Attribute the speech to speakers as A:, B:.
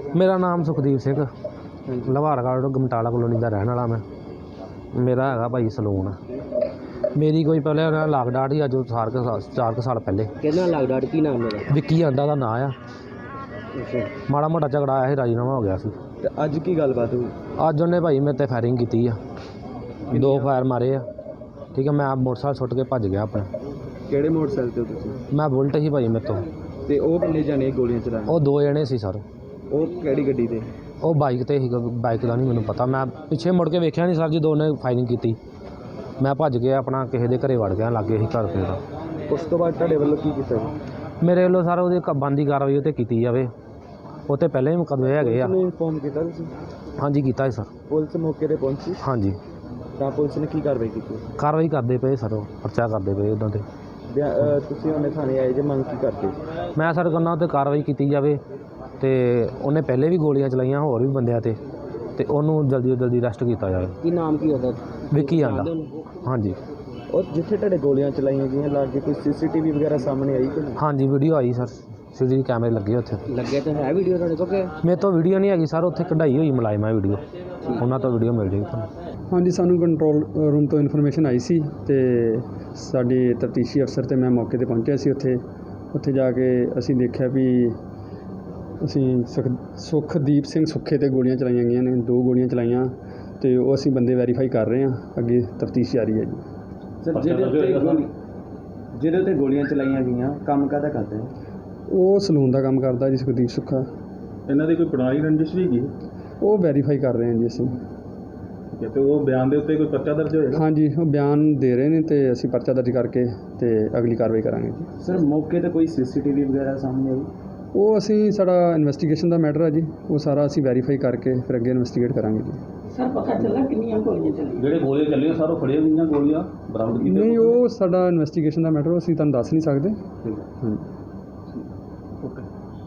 A: ਮੇਰਾ ਨਾਮ ਸੁਖਦੀਪ ਸਿੰਘ ਲਵਾਰਗੜ੍ਹ ਗਮਟਾਲਾ ਕਲੋਨੀ ਦਾ ਰਹਿਣ ਵਾਲਾ। ਮੇਰਾ ਹੈਗਾ ਭਾਈ ਸਲੂਨ। ਮੇਰੀ ਕੋਈ ਪਹਿਲੇ ਲਾਗ ਡਾਟ ਹੀ ਅੱਜ 4 ਸਾਲ ਪਹਿਲੇ।
B: ਕਿਹਨਾਂ ਲਾਗ ਡਾਟ? ਕੀ ਨਾਮ ਮੇਰਾ?
A: ਵਿੱਕੀ ਆਂਡਾ ਦਾ ਨਾਂ ਆ। ਮਾੜਾ ਮੋਟਾ ਝਗੜਾ ਆਇਆ ਸੀ, ਰਾਜੀਨਾਮਾ ਹੋ ਗਿਆ ਸੀ।
B: ਤੇ ਅੱਜ ਕੀ ਗੱਲਬਾਤ ਹੋਈ?
A: ਅੱਜ ਉਹਨੇ ਭਾਈ ਮੇਰੇ 'ਤੇ ਫਾਇਰਿੰਗ ਕੀਤੀ ਆ, 2 ਫਾਇਰ ਮਾਰੇ ਆ। ਠੀਕ ਹੈ, ਮੈਂ ਮੋਟਰਸਾਈਕਲ ਸੁੱਟ ਕੇ ਭੱਜ ਗਿਆ ਆਪਣਾ।
B: ਕਿਹੜੇ ਮੋਟਰਸਾਈਕਲ ਤੇ ਤੁਸੀਂ?
A: ਮੈਂ ਬੁਲਟ ਸੀ ਭਾਈ ਮੇਰੇ ਤੋਂ।
B: ਤੇ ਉਹ ਕਿੰਨੇ ਜਾਣੇ ਗੋਲੀਆਂ ਚਲਾਏ?
A: ਉਹ 2 ਜਣੇ ਸੀ ਸਰ।
B: ਉਹ ਕਿਹੜੀ ਗੱਡੀ ਤੇ?
A: ਉਹ ਬਾਈਕ 'ਤੇ ਸੀਗਾ, ਬਾਈਕ ਦਾ ਨਹੀਂ ਮੈਨੂੰ ਪਤਾ। ਮੈਂ ਪਿੱਛੇ ਮੁੜ ਕੇ ਵੇਖਿਆ ਨਹੀਂ ਸਰ ਜਦੋਂ ਉਹਨੇ ਫਾਇਰਿੰਗ ਕੀਤੀ। ਮੈਂ ਭੱਜ ਗਿਆ ਆਪਣਾ, ਕਿਸੇ ਦੇ ਘਰੇ ਵੜ ਗਿਆ, ਲਾਗੇ ਸੀ ਘਰ ਤੇ ਦਾ।
B: ਉਸ ਤੋਂ ਬਾਅਦ ਤੁਹਾਡੇ ਵੱਲੋਂ ਕੀ ਕੀਤਾ?
A: ਮੇਰੇ ਵੱਲੋਂ ਸਰ ਉਹਦੀ ਬੰਦੀ ਕਾਰਵਾਈ ਉਹ 'ਤੇ ਕੀਤੀ ਜਾਵੇ। ਉਹ 'ਤੇ ਪਹਿਲੇ ਹੀ ਮੁਕੱਦਮੇ ਹੈਗੇ ਆ।
B: ਇਨਫੋਰਮ ਕੀਤਾ ਤੁਸੀਂ?
A: ਹਾਂਜੀ ਕੀਤਾ ਸੀ ਸਰ।
B: ਪੁਲਿਸ ਮੌਕੇ ਤੇ ਪਹੁੰਚੀ?
A: ਹਾਂਜੀ।
B: ਤਾਂ ਪੁਲਿਸ ਨੇ ਕੀ ਕਾਰਵਾਈ ਕੀਤੀ?
A: ਕਾਰਵਾਈ ਕਰਦੇ ਪਏ ਸਰ, ਉਹ ਪਰਚਾ ਕਰਦੇ ਪਏ ਉਹਨਾਂ 'ਤੇ।
B: ਤੁਸੀਂ ਉਹਨੇ ਥਾਣੇ ਆਏ ਜੇ, ਮੰਗ ਕੀ ਕਰਦੇ?
A: ਮੈਂ ਸਰ ਕਹਿੰਦਾ ਉਹ 'ਤੇ ਕਾਰਵਾਈ ਕੀਤੀ ਜਾਵੇ। ਅਤੇ ਉਹਨੇ ਪਹਿਲੇ ਵੀ ਗੋਲੀਆਂ ਚਲਾਈਆਂ ਹੋਰ ਵੀ ਬੰਦਿਆਂ 'ਤੇ, ਅਤੇ ਉਹਨੂੰ ਜਲਦੀ ਤੋਂ ਜਲਦੀ ਅਰੈਸਟ ਕੀਤਾ ਜਾਵੇ।
B: ਕੀ ਨਾਮ ਕੀ ਉਹਦਾ?
A: ਵਿੱਕੀ ਆਂਡਾ। ਹਾਂਜੀ।
B: ਉਹ ਜਿੱਥੇ ਤੁਹਾਡੇ ਗੋਲੀਆਂ ਚਲਾਈਆਂ ਗਈਆਂ ਲਾਗੇ ਕੋਈ CCTV ਵਗੈਰਾ ਸਾਹਮਣੇ ਆਈ ਕਿ ਨਹੀਂ?
A: ਹਾਂਜੀ ਵੀਡੀਓ ਆਈ ਸਰ, CCTV ਕੈਮਰੇ ਲੱਗੇ ਉੱਥੇ।
B: ਲੱਗੇ ਤਾਂ ਹੈ ਵੀਡੀਓ ਤੁਹਾਡੇ ਕੋਲ ਕਿ?
A: ਮੇਰੇ ਤੋਂ ਵੀਡੀਓ ਨਹੀਂ ਹੈਗੀ ਸਰ, ਉੱਥੇ ਕਢਾਈ ਹੋਈ ਮੁਲਾਜ਼ਮਾਂ ਵੀਡੀਓ, ਉਹਨਾਂ ਤੋਂ ਵੀਡੀਓ ਮਿਲ ਜਾਏਗੀ ਤੁਹਾਨੂੰ।
C: ਹਾਂਜੀ, ਸਾਨੂੰ ਕੰਟਰੋਲ ਰੂਮ ਤੋਂ ਇਨਫੋਰਮੇਸ਼ਨ ਆਈ ਸੀ ਅਤੇ ਸਾਡੇ ਤਫਤੀਸ਼ੀ ਅਫਸਰ ਅਤੇ ਮੈਂ ਮੌਕੇ 'ਤੇ ਪਹੁੰਚਿਆ ਸੀ। ਉੱਥੇ ਜਾ ਕੇ ਅਸੀਂ ਦੇਖਿਆ ਵੀ ਸੁਖਦੀਪ ਸਿੰਘ ਸੁੱਖੇ 'ਤੇ ਗੋਲੀਆਂ ਚਲਾਈਆਂ ਗਈਆਂ ਨੇ, 2 ਗੋਲੀਆਂ ਚਲਾਈਆਂ, ਅਤੇ ਉਹ ਅਸੀਂ ਬੰਦੇ ਵੈਰੀਫਾਈ ਕਰ ਰਹੇ ਹਾਂ। ਅੱਗੇ ਤਫਤੀਸ਼ ਜਾਰੀ ਹੈ ਜੀ।
B: ਸਰ ਜਿਹਦੇ ਉੱਤੇ ਗੋਲੀਆਂ ਚਲਾਈਆਂ ਗਈਆਂ, ਕੰਮ ਕਾਹਦਾ ਕਰਦੇ?
C: ਉਹ ਸਲੂਨ ਦਾ ਕੰਮ ਕਰਦਾ ਜੀ, ਸੁਖਦੀਪ ਸੁੱਖਾ।
D: ਇਹਨਾਂ ਦੀ ਕੋਈ ਪੁਰਾਣੀ ਰੰਜਿਸ਼ ਵੀ ਹੈਗੀ?
C: ਉਹ ਵੈਰੀਫਾਈ ਕਰ ਰਹੇ ਹਾਂ ਜੀ ਅਸੀਂ।
D: ਤੇ ਉਹ ਬਿਆਨ ਦੇ ਉੱਤੇ ਕੋਈ ਪਰਚਾ ਦਰਜ ਹੋਏਗਾ?
C: ਹਾਂਜੀ, ਉਹ ਬਿਆਨ ਦੇ ਰਹੇ ਨੇ ਅਤੇ ਅਸੀਂ ਪਰਚਾ ਦਰਜ ਕਰਕੇ ਅਤੇ ਅਗਲੀ ਕਾਰਵਾਈ ਕਰਾਂਗੇ ਜੀ।
B: ਸਰ ਮੌਕੇ 'ਤੇ ਕੋਈ CCTV ਵਗੈਰਾ ਸਾਹਮਣੇ ਆਈ?
C: ਉਹ ਸਾਡਾ ਇਨਵੈਸਟੀਗੇਸ਼ਨ ਦਾ ਮੈਟਰ ਹੈ ਜੀ, ਉਹ ਸਾਰਾ ਅਸੀਂ ਵੈਰੀਫਾਈ ਕਰਕੇ ਫਿਰ ਅੱਗੇ ਇਨਵੈਸਟੀਗੇਟ ਕਰਾਂਗੇ ਜੀ।
B: ਸਰ ਪਤਾ ਚੱਲਾ ਕਿੰਨੀਆਂ ਗੋਲੀਆਂ ਚੱਲੀਆਂ?
D: ਜਿਹੜੇ ਗੋਲੀਆਂ ਚੱਲੀਆਂ ਸਰ, ਉਹ ਫੜੀਆਂ ਗਈਆਂ ਗੋਲੀਆਂ ਬਰਾਮਦ ਕੀਤੀਆਂ?
C: ਨਹੀਂ, ਉਹ ਸਾਡਾ ਇਨਵੈਸਟੀਗੇਸ਼ਨ ਦਾ ਮੈਟਰ, ਅਸੀਂ ਤੁਹਾਨੂੰ ਦੱਸ ਨਹੀਂ ਸਕਦੇ।
D: ਠੀਕ ਹੈ।
C: ਹਾਂਜੀ।